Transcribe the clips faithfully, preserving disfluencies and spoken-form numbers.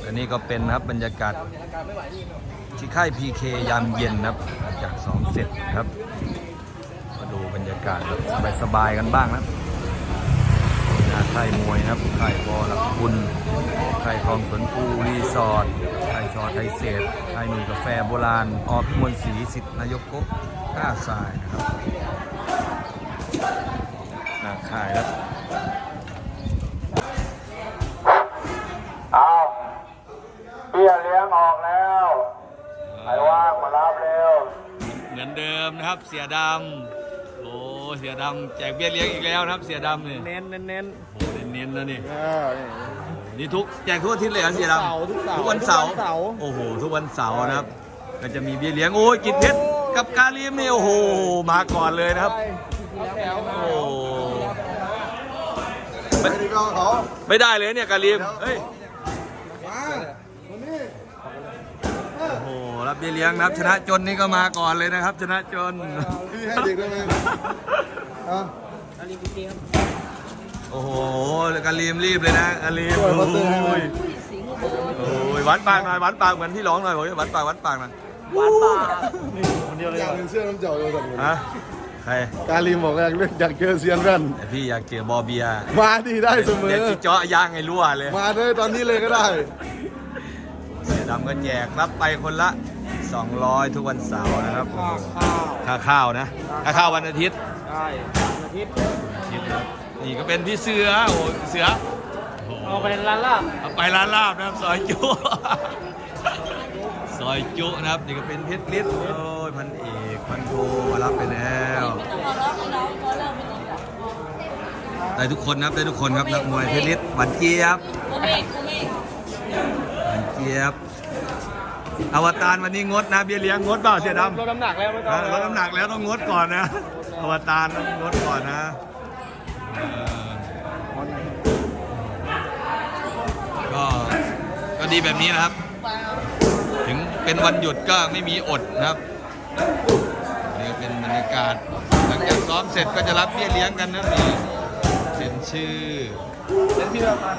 อันนี้ก็เป็นนะครับบรรยากาศที่ค่าย พี เค ยามเย็นนะครับจากสองเสร็จครับมาดูบรรยากาศแบบสบายๆกันบ้างนะค่ายมวยนะครับค่ายบอลักคุณค่ายคลองสวนภูรีสอร์ทค่ายชอไทยเศษค่ายหนุ่ยกาแฟโบราณอพิมลศรีสิทธินายกโกก้าทรายนะครับหน้าค่ายครับเอาเบี้ยเลี้ยงออกแล้วใครว่างมารับเร็วเหมือนเดิมนะครับเสียดำโอ้เสียดำแจกเบี้ยเลี้ยงอีกแล้วนะครับเสียดำเนี่ยเน้นเน้นเน้นโอ้เน้นๆนะนี่เออนี่ทุกแจกทุกอาทิตย์เลยเหรอเสียดำทุกวันเสาร์โอ้โหทุกวันเสาร์นะครับก็จะมีเบี้ยเลี้ยงโอ้ยกิจเพชรกับกาลีมนี่โอ้โหมาก่อนเลยนะครับโอ้ไม่ไม่ได้เลยเนี่ยกาลีมเฮ้ยโอ้โหรับเบี้ยเลี้ยงนะครับชนะจนนี่ก็มาก่อนเลยนะครับชนะจนให้เด็กได้ไหมโอ้โหกาลีมรีบเลยนะกาลีมโอ้ยโอ้ยวัดปากหน่อยวัดปากเหมือนที่ร้องหน่อยบอกวัดปากวัดปากหน่อยวัดปากคนเดียวเลยอยากเป็นเสื้อน้ำเจ้าเลยแบบนี้ฮะใครกาลีมบอกอยากเล่นอยากเจอเซียนแว่นแต่พี่อยากเจอบอเบียมาดีได้เสมอเดี๋ยวเจาะย่างไงรั่วเลยมาเลยตอนนี้เลยก็ได้เสือดำก็แจกรับไปคนละสองร้อยทุกวันเสาร์นะครับค่าข้าวนะค่าข้าววันอาทิตย์ใช่อาทิตย์อาทิตย์นะนี่ก็เป็นพี่เสือโอ้เสือเอาไปร้านลาบเอาไปร้านลาบนะครับซอยจุซอยจุนะครับนี่ก็เป็นเพชรฤทธิ์โอ้ยพันเอกพันโทมารับไปแล้วได้ทุกคนนะครับได้ทุกคนครับนักมวยเพชรฤทธิ์หวานเจี๊ยบหวานเจี๊ยบอวตารวันนี้งดนะเบี้ยเลี้ยงงดเปล่าเสียดำลดน้ำหนักแล้วไม่ต้องลดน้ำหนักแล้วต้องงดก่อนนะอวตารต้องงดก่อนนะก็ก็ดีแบบนี้นะครับถึงเป็นวันหยุดก็ไม่มีอดนะครับนี่ก็เป็นบรรยากาศหลังจากซ้อมเสร็จก็จะรับเบี้ยเลี้ยงกันนะนี่เซ็นชื่อเซ็นพี่ละพัน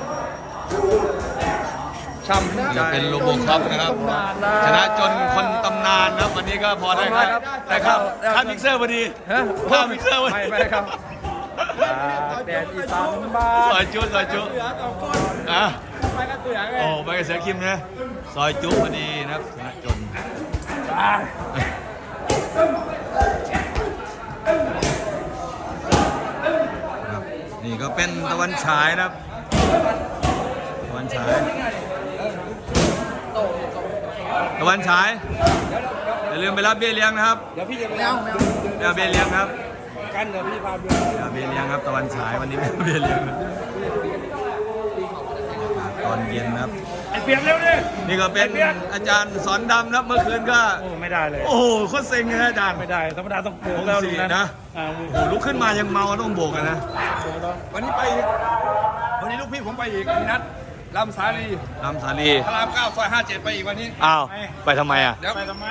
ช่ำนี่เป็นโลโบคอปนะครับชนะจนคนตำนานนะวันนี้ก็พอได้ครับได้ครับค่ามิกเซอร์พอดีค่ามิกเซอร์พอดีไม่ไม่ครับแดดอีสานบ้าซอยจุซอยจุอ่ะไปกระเสือไงโอ้ไปกระเสือคิมนะซอยจุพอดีนะครับชนะจนนี่ก็เป็นตะวันฉายนะครับตะวันฉายตะวันฉายอย่าลืมไปรับเบี้ยเลี้ยงนะครับเดี๋ยวพี่จะไปเอาเดี๋ยวเบี้ยเลี้ยงครับกันเดี๋ยวพี่พาไปเดี๋ยวเบี้ยเลี้ยงครับตะวันฉายวันนี้ไม่เบี้ยเลี้ยงตอนเย็นนะครับไอเปียกเร็วดินี่ก็เป็นอาจารย์สอนดำนะครับเมื่อคืนก็โอ้ไม่ได้เลยโอ้โหโคตรเซ็งเลยอาจารย์ไม่ได้ธรรมดาต้องโบกแล้วลุงนะโอ้โหลุกขึ้นมายังเมาต้องโบกกันนะวันนี้ไปวันนี้ลูกพี่ผมไปอีกนัดลำสาลีลำสาลีพระรามเก้าซอยห้าเจ็ดไปอีกวันนี้อ้าวไปทำไมอ่ะเดี๋ยวไปทำไม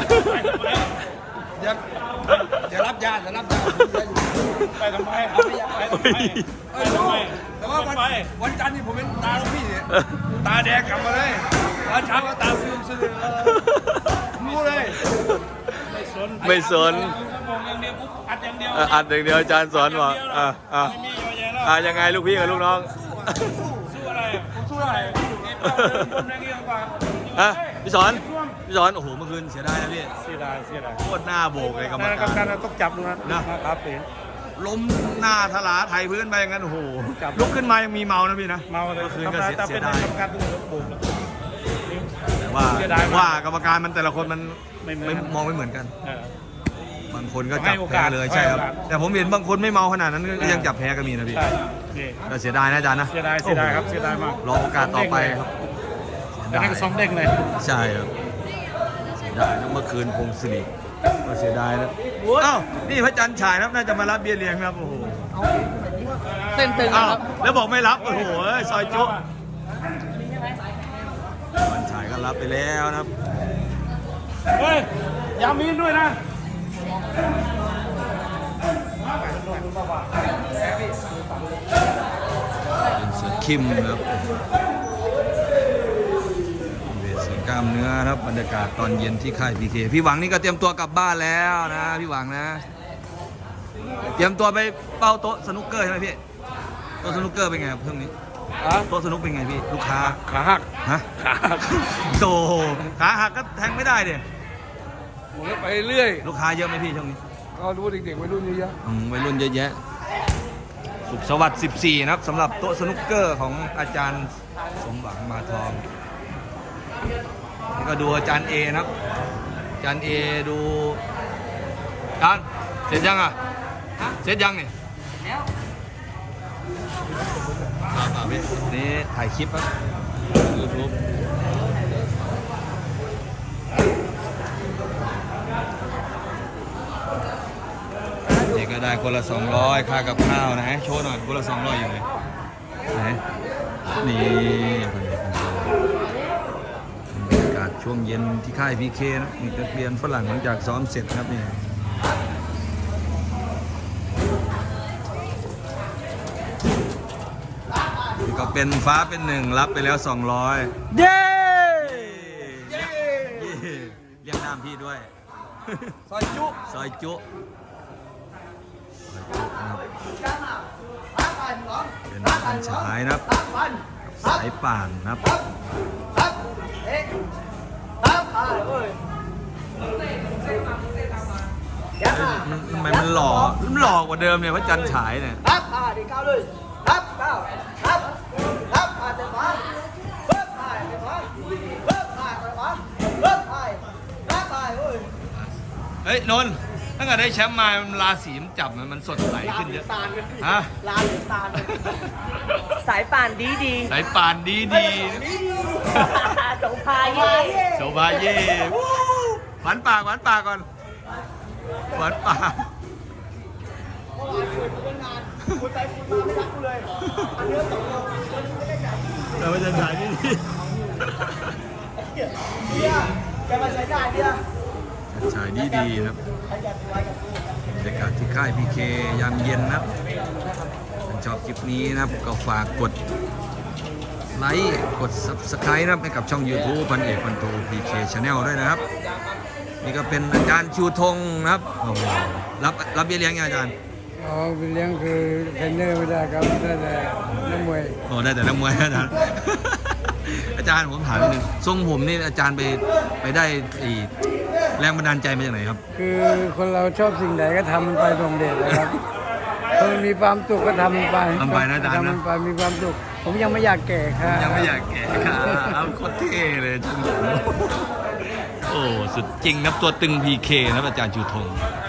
เดี๋ยวเดี๋ยวรับญาติเดี๋ยวรับญาติไปทำไมไปทำไมไปทำไมแต่ว่าวันวันจันทร์นี่ผมเป็นตาลูกพี่เนี่ยตาแดงกลับมาเลยวันเช้าก็ตาซึมซึมรู้เลยไม่สนไม่สนอย่างเดียวอัดอย่างเดียวอัดอย่างเดียวอาจารย์สอนว่าอ่าอ่าอ่ายังไงลูกพี่กับลูกน้องสู้อะไรผมสู้อะไรคนแรงเงี้ยกว่าอ่ะพี่สอนพี่สอนโอ้โหเมื่อคืนเสียดายนะพี่เสียดายเสียดายโคตรหน้าโบกเลยกรรมการการต้องจับนะนะครับล้มหน้าทลาไทยพื้นไปอย่างนั้นโอ้โหลุกขึ้นมายังมีเมานะพี่นะเมาเลยเมื่อคืนก็เสียดายกรรมการต้องโบกแต่ว่าว่ากรรมการมันแต่ละคนมันไม่มองไม่เหมือนกันบางคนก็จับแพ้เลยใช่ครับแต่ผมเห็นบางคนไม่เมาขนาดนั้นก็ยังจับแพ้ก็มีนะพี่ก็เสียดายนะอาจารย์นะเสียดายเสียดายครับเสียดายมากรอโอกาสต่อไปครับได้สองเด้งเลยใช่ครับเสียดายเมื่อคืนพงศิริก็เสียดายนะอ้าวนี่พระจันทร์ฉายครับน่าจะมารับเบี้ยเลี้ยงครับโอ้โหเส้นตึงครับแล้วบอกไม่รับโอ้โหซอยจุวันฉายก็รับไปแล้วนะครับเฮ้ยยามีนด้วยนะเป็นเสือคิมนะครับล้ามเนื้อครับบรรยากาศตอนเย็นที่ค่ายพีเคพี่หวังนี่ก็เตรียมตัวกลับบ้านแล้วนะพี่หวังนะ เตรียมตัวไปเป้าโต๊ะสนุกเกอร์ใช่ไหมพี่โต๊ะสนุกเกอร์เป็นไงครับเพิ่งนี้อ่ะโต๊ะสนุกเป็นไงพี่ลูกค้าขาหักฮะขาหักโตขาหักก็แทงไม่ได้เดิผมก็ไปเรื่อยลูกค้าเยอะไหมพี่ช่วงนี้ก็รู้ว่าเด็กๆวัยรุ่นเยอะอืมวัยรุ่นเยอะแยะสุขสวัสดิ์สิบสี่นะครับสำหรับโต๊ะสนุกเกอร์ของอาจารย์สมหวังมาทองนี่ก็ดูอาจารย์เอนะครับอาจารย์เอดูอาจารย์เสร็จยังอ่ะเสร็จยังเนี่ยแล้วป่าพี่นี่ถ่ายคลิปครับยูทูบนี่ก็ได้คนละสองร้อยค่ากับข้าวนะโชว์หน่อยคนละสองร้อยอยู่ไหนไหนนี่บรรยากาศช่วงเย็นที่ค่ายพีเคนะนี่นักเรียนฝรั่งหลังจากซ้อมเสร็จครับนี่นี่ก็เป็นฟ้าเป็นหนึ่งรับไปแล้วสองร้อยเย้เย้เรียกน้ำพี่ด้วยๆซอยจุซอยจุเป็นการฉายนะครับสายป่านนะครับมันทำไมมันหล่อมันหล่อกว่าเดิมเนี่ยพระจันทร์ฉายเนี่ย Hấp, à, đi cao lên. Hấp, cao. Hấp. Hấp, à, để bắn. Hấp, à, để bắn. Hấp, à, để bắn. Hấp, à. Hấp, à, ơi. เฮ้ยนนท์ตั้งแต่ได้แชมป์มามันราศีมันจับมันมันสดใสขึ้นเยอะฮะลาหรือตาลสายป่านดีดีสายป่านดีดีสงพายเย่โซบาเย่วู้หวานปากหวานปากก่อนหวานปากคุณไปคุณมาไม่รักกูเลยอันเนื้อสองโลเราจะฉายนี่ดีเนี่ยแกมาใช้ได้เนี่ยฉายดีดีครับบรรยากาศที่ค่ายพีเคยามเย็นนะครับถ้าชอบคลิปนี้นะครับก็ฝากกดไลค์กด ซับสไครบ์ นะครับให้กับช่อง ยูทูบ พันเอกพันโท พี เค Channel ด้วยนะครับนี่ก็เป็นอาจารย์ชูธงนะครับโอ้โหรับรับเบี้ยเลี้ยงไงอาจารย์อ๋อเป็นเลี้ยงคือเทรนเนอร์ไม่ได้ครับได้แต่นักมวยโอ้ได้แต่ละมวยอาจารย์ อาจารย์ผมถามนิดนึงทรงผมนี่อาจารย์ไปไปได้ไอ้แรงบันดาลใจมาจากไหนครับคือคนเราชอบสิ่งใดก็ทำมันไปตรงเดชนะครับคนมีความสุขก็ทำมันไปทำไปนะอาจารย์นะทำมันไปมีความสุขผมยังไม่อยากแก่ค่ะยังไม่อยากแก่ค่ะเอาโคตรเท่เลยทรงผมโอ้สุดจริงครับตัวตึง พี เค นะครับอาจารย์ชูธง